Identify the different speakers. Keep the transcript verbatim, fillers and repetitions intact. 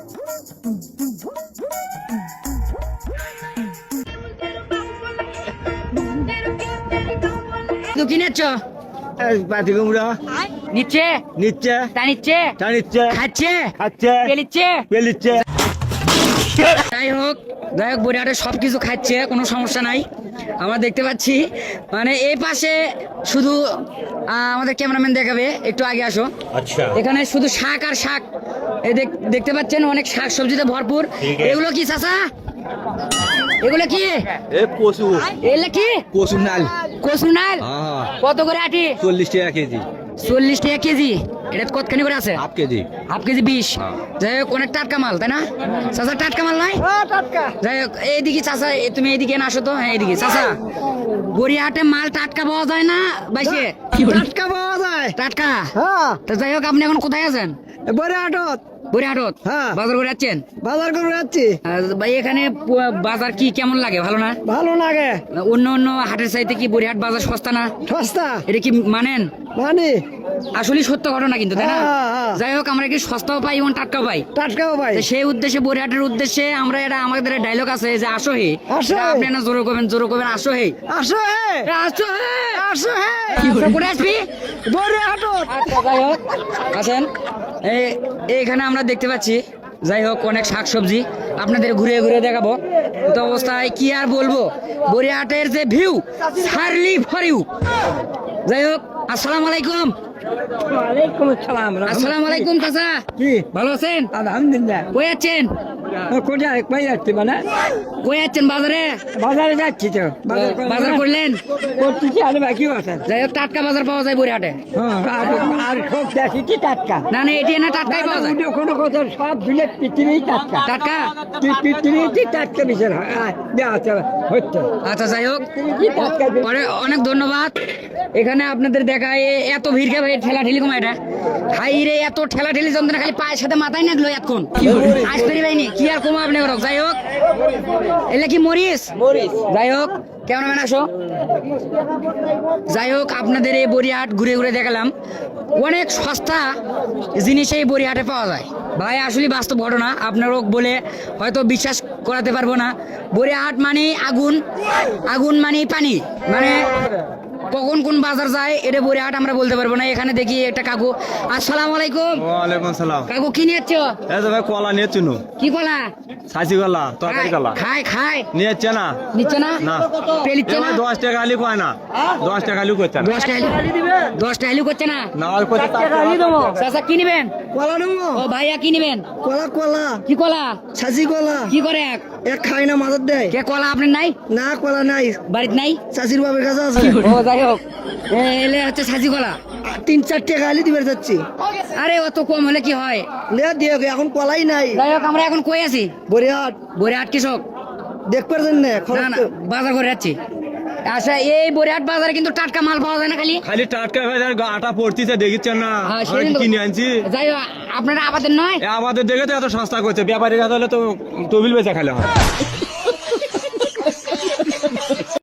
Speaker 1: কি নিচ্ছ?
Speaker 2: পাতি কুমড়া
Speaker 1: নিচ্ছে
Speaker 2: নিচ্ছে
Speaker 1: তা নিচ্ছে
Speaker 2: তা নিচ্ছে
Speaker 1: খাচ্ছে
Speaker 2: খাচ্ছে
Speaker 1: পেলিচ্ছে
Speaker 2: পেলিচ্ছে।
Speaker 1: যাই হোক যাই হোক বরিহাটে সব কিছু খাচ্ছে, কোনো সমস্যা নাই। আমরা দেখতে পাচ্ছি মানে এই পাশে শুধু আহ, আমাদের ক্যামেরাম্যান দেখাবে, একটু আগে আসো।
Speaker 2: আচ্ছা
Speaker 1: এখানে শুধু শাক আর শাক, এই দেখ- দেখতে পাচ্ছেন অনেক শাক সবজিতে ভরপুর। এগুলো কি চাচা? এগুলো কি?
Speaker 2: এ কচু
Speaker 1: এগুলো কি?
Speaker 2: কচু নাল
Speaker 1: কচু নাল
Speaker 2: হ্যাঁ
Speaker 1: কত করে আটি?
Speaker 2: চল্লিশ টাকা কেজি
Speaker 1: চল্লিশ টাকা কেজি। এটা কতখানি করে আছে?
Speaker 2: হাফ কেজি
Speaker 1: হাফ কেজি বিশ। যাই হোক অনেক টাটকা মাল, তাই না চাচা? টাটকা মাল নয়? যাই হোক এইদিকে চাচা, এ তুমি এইদিকে না আসো তো। হ্যাঁ এইদিকে চাচা, গড়িয়াহাটে মাল টাটকা পাওয়া যায় না বাইশে?
Speaker 2: টাটকা পাওয়া যায়।
Speaker 1: টাটকা?
Speaker 2: হ্যাঁ
Speaker 1: তো যাই হোক আপনি এখন কোথায় আছেন?
Speaker 2: বরিহাটত
Speaker 1: গড়িয়াহাটত
Speaker 2: হ্যাঁ।
Speaker 1: বাজার করে যাচ্ছেন?
Speaker 2: বাজার করে যাচ্ছি।
Speaker 1: আর ভাই এখানে প- বাজার কি কেমন লাগে? ভালো না?
Speaker 2: ভালো লাগে।
Speaker 1: অন্য অন্য হাটের চাইতে কি গড়িয়াহাট বাজার সস্তা না?
Speaker 2: সস্তা
Speaker 1: এটা কি মানেন?
Speaker 2: মানে
Speaker 1: আসলে সত্য ঘটনা কিন্তু, তাই না?
Speaker 2: হ্যাঁ, হ্যাঁ।
Speaker 1: যাই হোক আমরা কি সস্তাও পাই এবং টাটকাও পাই।
Speaker 2: টাটকা ভাই।
Speaker 1: তো সেই উদ্দেশ্যে বরিহাটের উদ্দেশ্যে আমরা, এটা আমাদের ডায়লগ আছে যে আসো হে।
Speaker 2: আসো হে।
Speaker 1: আপনি না জোরে করবেন, জোরে করবেন আসো হে।
Speaker 2: আসো হে
Speaker 1: এ, আসো হে।
Speaker 2: আসো হে
Speaker 1: তো করে আসবি?
Speaker 2: বরিহাটত।
Speaker 1: আচ্ছা, যাই হোক আসেন। এই এইখানে আমরা দেখতে পাচ্ছি যাই হোক অনেক শাকসবজি, আপনাদের ঘুরে ঘুরে দেখাবো। তো অবস্থায় কি আর বলবো, বরিহাটের যে ভিউ সারলি ফর ইউ। যাই হোক আসসালামু আলাইকুম।
Speaker 2: ওয়ালাইকুম আসসালাম।
Speaker 1: আসসালামু আলাইকুম চাচা,
Speaker 2: কি
Speaker 1: ভালো আছেন?
Speaker 2: আলহামদুলিল্লাহ।
Speaker 1: কই যাচ্ছেন?
Speaker 2: কোথায় কই যাচ্ছি মানে
Speaker 1: কই যাচ্ছেন? বাজারে?
Speaker 2: বাজারে যাচ্ছি তো।
Speaker 1: বাজার করলেন?
Speaker 2: করতেছি আর বাকি আছে।
Speaker 1: যাই হোক টাটকা বাজার পাওয়া যায় বরিহাটে?
Speaker 2: হ্যাঁ আর আর সব দেখি টাটকা।
Speaker 1: না না এটি না টাটকাই পাওয়া যায়।
Speaker 2: কোনো কথা সব দিলে পৃথিবী টাটকা।
Speaker 1: টাটকা?
Speaker 2: পৃথিবীতে টাটকা বিচার হয় আচ্ছা হচ্ছে।
Speaker 1: আচ্ছা যাই হোক
Speaker 2: কি টাটকা
Speaker 1: অনেক অনেক ধন্যবাদ। এখানে আপনাদের দেখায় এ- এত ভিড় কে ভাই, ঠেলা ঠেলি কমা এটা হাই রে, এত ঠেলা ঠেলি যন্ত্রণা, খালি পায়ের সাথে মাথায় নাগলো এতক্ষণ আজ পেরি ভাইনি কি আর কমা আপনি করো। যাই হোক এলে কি মরিস? যাই হোক ক্যামেরাম্যান আসো। যাই হোক আপনাদের এই বরিহাট ঘুরে ঘুরে দেখালাম, অনেক সস্তা জিনিস এই বরিহাটে পাওয়া যায়। ভাই আসলে বাস্তব ঘটনা, আপনারও বলে হয়তো বিশ্বাস করাতে পারবো না। বরিহাট মানে আগুন, আগুন মানে পানি, মানে কখন কোন বাজার যায় এটা বরিহাট আমরা বলতে পারবো না। এখানে দেখি একটা কাকু। আসসালামু আলাইকুম।
Speaker 2: ওয়ালাইকুম আসসালাম।
Speaker 1: কাকু কি নিয়েছ?
Speaker 2: এই তো ভাই কলা নিয়ে চুনু।
Speaker 1: কি কলা?
Speaker 2: ছাঁচি কলা, তরকারি কলা
Speaker 1: খায় খায়
Speaker 2: নিয়ে যাচ্ছে না।
Speaker 1: নিচ্ছে না?
Speaker 2: না।
Speaker 1: পেলিচ্ছে না?
Speaker 2: এবার দশ টাকা আলু কয় না, দশ টাকা আলু করছে না।
Speaker 1: দশটা আলু দশটা আলু করছে না?
Speaker 2: না আর করছে
Speaker 1: চাচা কি নিবেন?
Speaker 2: কলা নেবো।
Speaker 1: ও ভাইয়া কি নিবেন?
Speaker 2: কলা কলা
Speaker 1: কি কলা?
Speaker 2: ছাঁচি কলা
Speaker 1: কি করে এক
Speaker 2: এক খাই না মাথার দেয়।
Speaker 1: কে কলা আপনার নাই?
Speaker 2: না কলা নাই,
Speaker 1: বাড়িতে নাই?
Speaker 2: চাষির বাবার কাছে আছে।
Speaker 1: ও যাই হোক এ, এলে হচ্ছে সাজি কলা।
Speaker 2: তিন চার টাকা আলি দিবে যাচ্ছি।
Speaker 1: আরে অত কম হলে কি হয়?
Speaker 2: লে দিয়ে এখন কলাই নাই।
Speaker 1: যাই হোক আমরা এখন কই আছি?
Speaker 2: বরিহাট
Speaker 1: বরিহাট কৃষক।
Speaker 2: দেখ পারছেন না
Speaker 1: না না বাজার করে যাচ্ছি। আচ্ছা এই বরিহাট বাজারে কিন্তু টাটকা মাল পাওয়া যায় না খালি?
Speaker 2: খালি টাটকা ভাই আটা পড়তিছে দেখিচ্ছেন না,
Speaker 1: হ্যাঁ,
Speaker 2: আমি
Speaker 1: সেদিন তো-
Speaker 2: কিনে আনছি।
Speaker 1: যাই হোক আপনারা আবাদের নয়?
Speaker 2: এ আমাদের দেখে তো এত সস্তা করছে, ব্যাপারীর কাছে হলে তো তবিল বেচা খালে হয়।